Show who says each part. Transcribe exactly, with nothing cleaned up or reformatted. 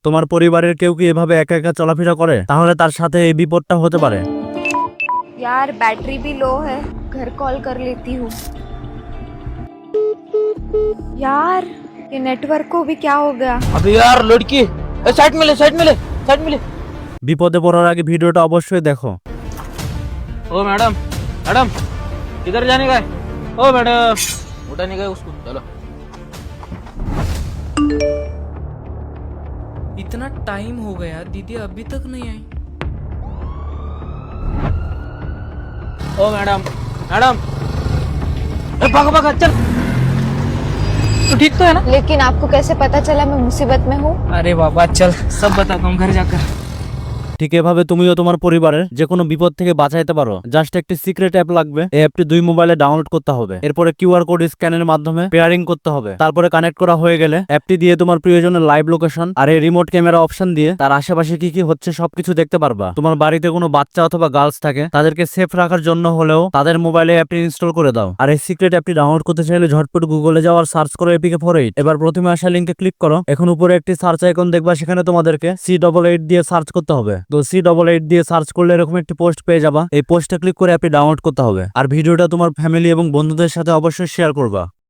Speaker 1: তোমার পরিবারের কেউ কি এভাবে একা একা চলাফেরা করে, তাহলে তার সাথে এই বিপদটা হতে পারে।
Speaker 2: यार बैटरी भी लो है, घर कॉल कर लेती हूँ। यार ये नेटवर्क को भी क्या हो गया।
Speaker 3: अबे यार लड़की, साइड में ले साइड में ले साइड में ले।
Speaker 1: বিপদে পড়ার আগে ভিডিওটা অবশ্যই দেখো।
Speaker 3: ओ मैडम मैडम किधर जाने का है? ओ मैडम उठाने का है उसको, चलो।
Speaker 4: इतना टाइम हो गया, दीदी अभी तक नहीं आई।
Speaker 3: ओ मैडम मैडम, अरे भागो भागो चल। तो ठीक तो है ना?
Speaker 2: लेकिन आपको कैसे पता चला मैं मुसीबत में हूँ।
Speaker 4: अरे बाबा चल, सब बताता हूँ घर जाकर।
Speaker 1: ঠিক এভাবে তুমিও তোমার পরিবারের যে কোনো বিপদ থেকে বাঁচাইতে পারো। জাস্ট একটি সিক্রেট অ্যাপ লাগবে। এই অ্যাপটি দুই মোবাইলে ডাউনলোড করতে হবে। এরপরে কিউআর কোড স্ক্যানের মাধ্যমে পেয়ারিং করতে হবে। তারপরে কানেক্ট করা হয়ে গেলে অ্যাপটি দিয়ে তোমার প্রিয়জনের লাইভ লোকেশন আর এই রিমোট ক্যামেরা অপশন দিয়ে তার আশেপাশে কি কি হচ্ছে সবকিছু দেখতে পারবা। তোমার বাড়িতে কোনো বাচ্চা অথবা গার্লস থাকে, তাদেরকে সেফ রাখার জন্য হলেও তাদের মোবাইলে অ্যাপটি ইনস্টল করে দাও। আর এই সিক্রেট অ্যাপটি ডাউনলোড করতে চাইলে ঝটপট গুগলে যাওয়ার সার্চ করো এপিকে ফোর এইট। এবার প্রথমে আসা লিঙ্কে ক্লিক করো। এখন উপরে একটি সার্চ আইকন দেখবা, সেখানে তোমাদেরকে সি ডবল এইট দিয়ে সার্চ করতে হবে। তো সি ডবল এইট দিয়ে সার্চ করলে এরকম একটি পোস্ট পেয়ে যাবা। এই পোস্টে ক্লিক করে অ্যাপটি ডাউনলোড করতে হবে। আর ভিডিওটা তোমার ফ্যামিলি এবং বন্ধুদের সাথে অবশ্যই শেয়ার করবা।